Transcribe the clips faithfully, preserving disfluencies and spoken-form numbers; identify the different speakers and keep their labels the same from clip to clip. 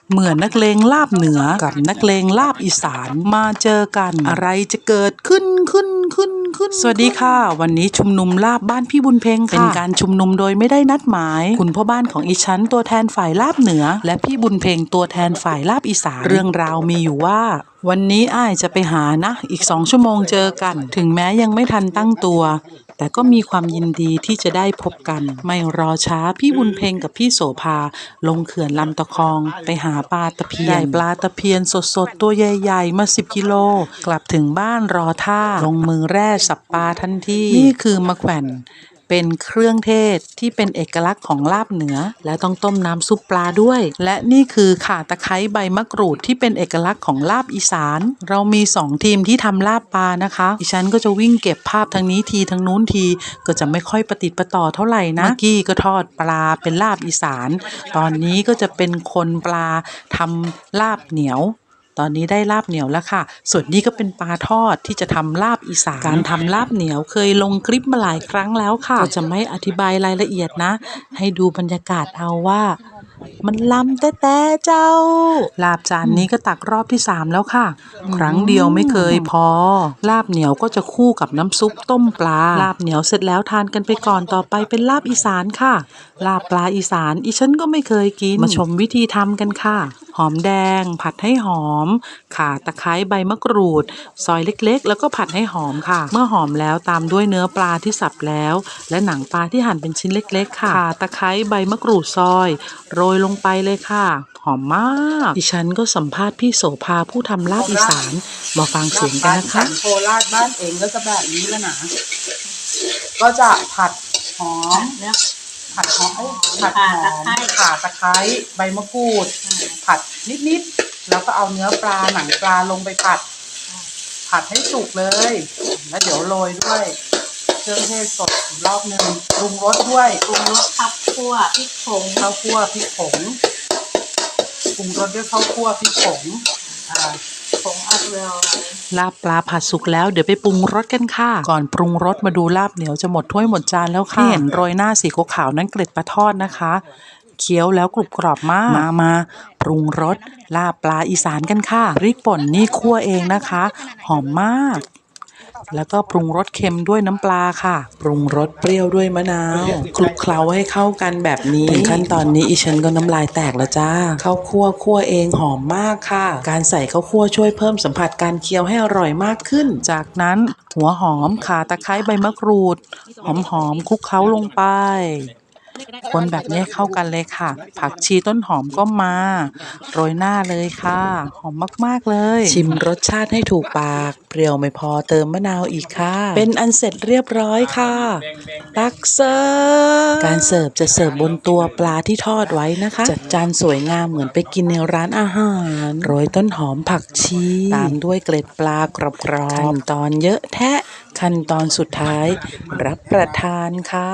Speaker 1: เหมือนนักเลงลาบเหนือกับนักเลงลาบอีสานมาเจอกันอะไรจะเกิดขึ้นขึ้นขึ้นขึ้นสวัสดีค่ะวันนี้ชุมนุมลาบบ้านพี่บุญเพ็งค่ะเป็นการชุมนุมโดยไม่ได้นัดหมายคุณพ่อบ้านของอีฉันตัวแทนฝ่ายลาบเหนือและพี่บุญเพ็งตัวแทนฝ่ายลาบอีสานเรื่องราวมีอยู่ว่าวันนี้อ้ายจะไปหานะอีกสองชั่วโมงเจอกันถึงแม้ยังไม่ทันตั้งตัวแต่ก็มีความยินดีที่จะได้พบกันไม่รอช้าพี่บุญเพ็งกับพี่โสภาลงเขื่อนลำตะคองไปหาปลาตะเพียนได้ปลาตะเพียนสดๆตัวใหญ่ๆมาสิบกิโลกลับถึงบ้านรอท่าลงมือแร่สับปลาทันทีนี่คือมะแขวนเป็นเครื่องเทศที่เป็นเอกลักษณ์ของลาบเหนือและต้องต้มน้ำซุปปลาด้วยและนี่คือข่าตะไคร้ใบมะกรูดที่เป็นเอกลักษณ์ของลาบอีสานเรามีสองทีมที่ทำลาบปลานะคะดิฉันก็จะวิ่งเก็บภาพทางนี้ทีทางนู้นทีก็จะไม่ค่อยประติดประต่อเท่าไหร่นะเมื่อกี้ก็ทอดปลาเป็นลาบอีสานตอนนี้ก็จะเป็นคนปลาทำลาบเหนียวตอนนี้ได้ลาบเหนียวแล้วค่ะส่วนนี้ก็เป็นปลาทอดที่จะทำลาบอีสานการทำลาบเหนียวเคยลงคลิปมาหลายครั้งแล้วค่ะก็จะไม่อธิบายรายละเอียดนะให้ดูบรรยากาศเอาว่ามันล้ำแต่แต่เจ้าลาบจานนี้ก็ตักรอบที่สามแล้วค่ะครั้งเดียวไม่เคยพอลาบเหนียวก็จะคู่กับน้ำซุปต้มปลาลาบเหนียวเสร็จแล้วทานกันไปก่อนต่อไปเป็นลาบอีสานค่ะลาบปลาอีสานอีฉันก็ไม่เคยกินมาชมวิธีทำกันค่ะหอมแดงผัดให้หอมข่าตะไคร้ใบมะกรูดซอยเล็กๆแล้วก็ผัดให้หอมค่ะเมื่อหอมแล้วตามด้วยเนื้อปลาที่สับแล้วและหนังปลาที่หั่นเป็นชิ้นเล็กๆค่ะข่าตะไคร้ใบมะกรูดซอยโรยลงไปเลยค่ะหอมมากดิฉันก็สัมภาษณ์พี่โสภาผู้ทำลาบอีสานมาฟังเสียงกันนะคะโคราชบ้านเองก็จะแบบนี้แล้วนะก็จะผัดหอมเนี่ยผัดหอมผัดหอมข่าตะไคร้ใบมะกรูดผัดนิดๆแล้วก็เอาเนื้อปลาหนังปลาลงไปผัดผัดให้สุกเลยแล้วเดี๋ยวโรยด้วยเครื่องเทศสดอีกรอบนึงปรุงรสด้วยปรุงรสข้าวคั่วพริกผงข้าวคั่วพริกผงปรุงรสด้วยข้าวคั่วพริกผงอ่าผงอัดเวลลาบปลาผัดสุกแล้วเดี๋ยวไปปรุงรสกันค่ะก่อนปรุงรสมาดูลาบเหนียวจะหมดถ้วยหมดจานแล้วค่ะที่เห็นโรยหน้าสีขาวๆนั้นเกล็ดปลาทอดนะคะเคี้ยวแล้วกรุบกรอบมากมามาปรุงรสลาบปลาอีสานกันค่ะพริกป่นนี่คั่วเองนะคะหอมมากแล้วก็ปรุงรสเค็มด้วยน้ำปลาค่ะปรุงรสเปรี้ยวด้วยมะนาวคลุกเคล้าให้เข้ากันแบบนี้ถึงขั้นตอนนี้อีฉันก็น้ำลายแตกแล้วจ้าข้าวคั่วคั่วเองหอมมากค่ะการใส่ข้าวคั่วช่วยเพิ่มสัมผัสการเคี้ยวให้อร่อยมากขึ้นจากนั้นหัวหอมข่าตะไคร้ใบมะกรูดหอมหอมคลุกเคล้าลงไปคนแบบนี้เข้ากันเลยค่ะผักชีต้นหอมก็มาโรยหน้าเลยค่ะหอมมากๆเลยชิมรสชาติให้ถูกปากเปรี้ยวไม่พอเติมมะนาวอีกค่ะเป็นอันเสร็จเรียบร้อยค่ะตักเสิร์ฟการเสิร์ฟจะเสิร์ฟบนตัวปลาที่ทอดไว้นะคะจัดจานสวยงามเหมือนไปกินในร้านอาหารโรยต้นหอมผักชีตามด้วยเกล็ดปลากรอบๆขั้นตอนเยอะแทะขั้นตอนสุดท้ายรับประทานค่ะ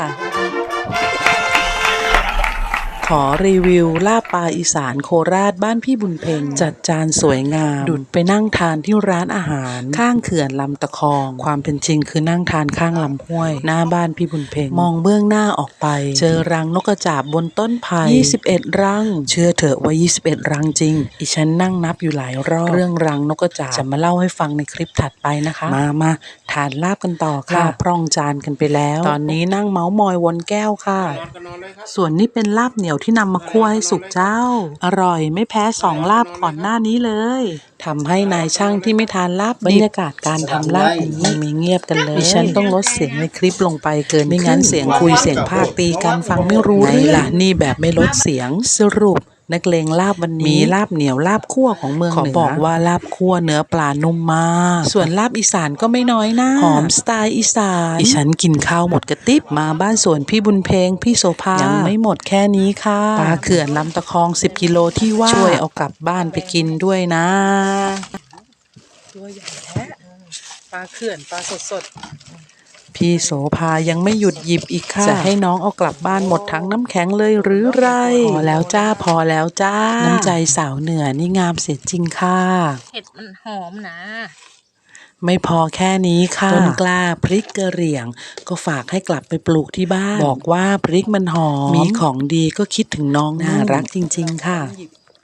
Speaker 1: ขอรีวิวลาบปลาอีสานโคราชบ้านพี่บุญเพ็งจัดจานสวยงามดุจไปนั่งทานที่ร้านอาหารข้างเขื่อนลำตะคองความเป็นจริงคือนั่งทานข้างลำห้วยหน้าบ้านพี่บุญเพ็งมองเบื้องหน้าออกไปเจอรังนกกระจาบบนต้นไผ่ยี่สิบเอ็ดรังเชื่อเถอะว่ายี่สิบเอ็ดรังจริงอีฉันนั่งนับอยู่หลายรอบเรื่องรังนกกระจาบจะมาเล่าให้ฟังในคลิปถัดไปนะคะมามาทานลาบกันต่อค่ะพร่องจานกันไปแล้วตอนนี้นั่งเมาส์มอยวนแก้วค่ะส่วนนี้เป็นลาบเหนียวที่นำมาคั่วให้สุกเจ้าอร่อยไม่แพ้สองลาบก่อนหน้านี้เลยทำให้นายช่างที่ไม่ทานลาบบรรยากาศการทำลาบนี้ไม่เงียบกันเลยดิฉันต้องลดเสียงในคลิปลงไปเกินไม่งั้นเสียงคุยเสียงพากตีกันฟังไม่รู้เรื่องล่ะนี่แบบไม่ลดเสียงสรุปนักเลงลาบวันนี้มีลาบเหนียวลาบคั่วของเมืองเหนือขอบอกว่าลาบคั่วเนื้อปลานุ่มมากส่วนลาบอีสานก็ไม่น้อยนะหอมสไตล์อีสานดิฉันกินข้าวหมดกระติบมาบ้านสวนพี่บุญเพ็งพี่โสภายังไม่หมดแค่นี้ค่ะปลาเขื่อนลำตะคองสิบกิโลที่ว่าช่วยเอากลับบ้านไปกินด้วยนะตัวใหญ่แท้ปลาเขื่อนปลาสดๆพี่โสภายังไม่หยุดหยิบอีกค่ะจะให้น้องเอากลับบ้านหมดทั้งน้ำแข็งเลยหรือไรพอแล้วจ้าพอแล้วจ้าน้ำใจสาวเหนือนี่งามเสียจริงค่ะ
Speaker 2: เห็ดมันหอมนะ
Speaker 1: ไม่พอแค่นี้ค่ะต้นกล้าพริกกระเหรี่ยงก็ฝากให้กลับไปปลูกที่บ้านบอกว่าพริกมันหอมมีของดีก็คิดถึงน้องน่ารักจริงๆค่ะ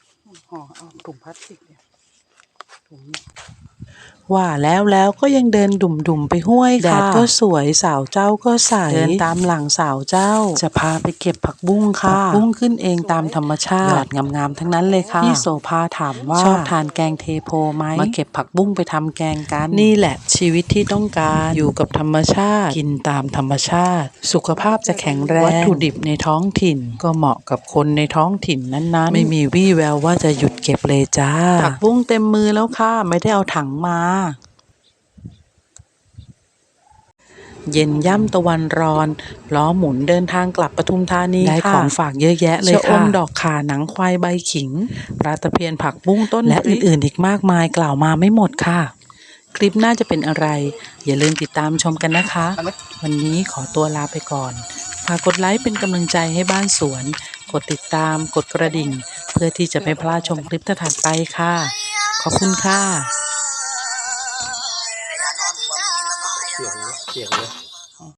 Speaker 1: ห่อเอาถุงพลาสติกเนี่ยถุงนี้ว่าแล้วแล้วก็ยังเดินดุ่มๆไปห้วยค่ะแดดก็สวยสาวเจ้าก็ใสเดินตามหลังสาวเจ้าจะพาไปเก็บผักบุ้งค่ะผักบุ้งขึ้นเองตามธรรมชาติยอดงามๆทั้งนั้นเลยค่ะพี่โสภาถามว่าชอบทานแกงเทโพไหมมาเก็บผักบุ้งไปทำแกงกันนี่แหละชีวิตที่ต้องการอยู่กับธรรมชาติกินตามธรรมชาติสุขภาพจะแข็งแรงวัตถุดิบในท้องถิ่นก็เหมาะกับคนในท้องถิ่นนั้นๆไม่มีวี่แววว่าจะหยุดเก็บเลยจ้าผักบุ้งเต็มมือแล้วค่ะไม่ได้เอาถังมาเย็นย่ำตะวันร้อนล้อหมุนเดินทางกลับปทุมธานีได้ของฝากเยอะแยะเลยค่ะชะอมดอกข่าหนังควายใบขิงปลาตะเพียนผักบุ้งต้นและอื่นๆอีกมากมายกล่าวมาไม่หมดค่ะคลิปน่าจะเป็นอะไรอย่าลืมติดตามชมกันนะคะวันนี้ขอตัวลาไปก่อนฝากกดไลค์เป็นกำลังใจให้บ้านสวนกดติดตามกดกระดิ่งเพื่อที่จะไม่พลาดชมคลิปถัดไปค่ะขอบคุณค่ะ
Speaker 3: เสียงเลยเสียงเลย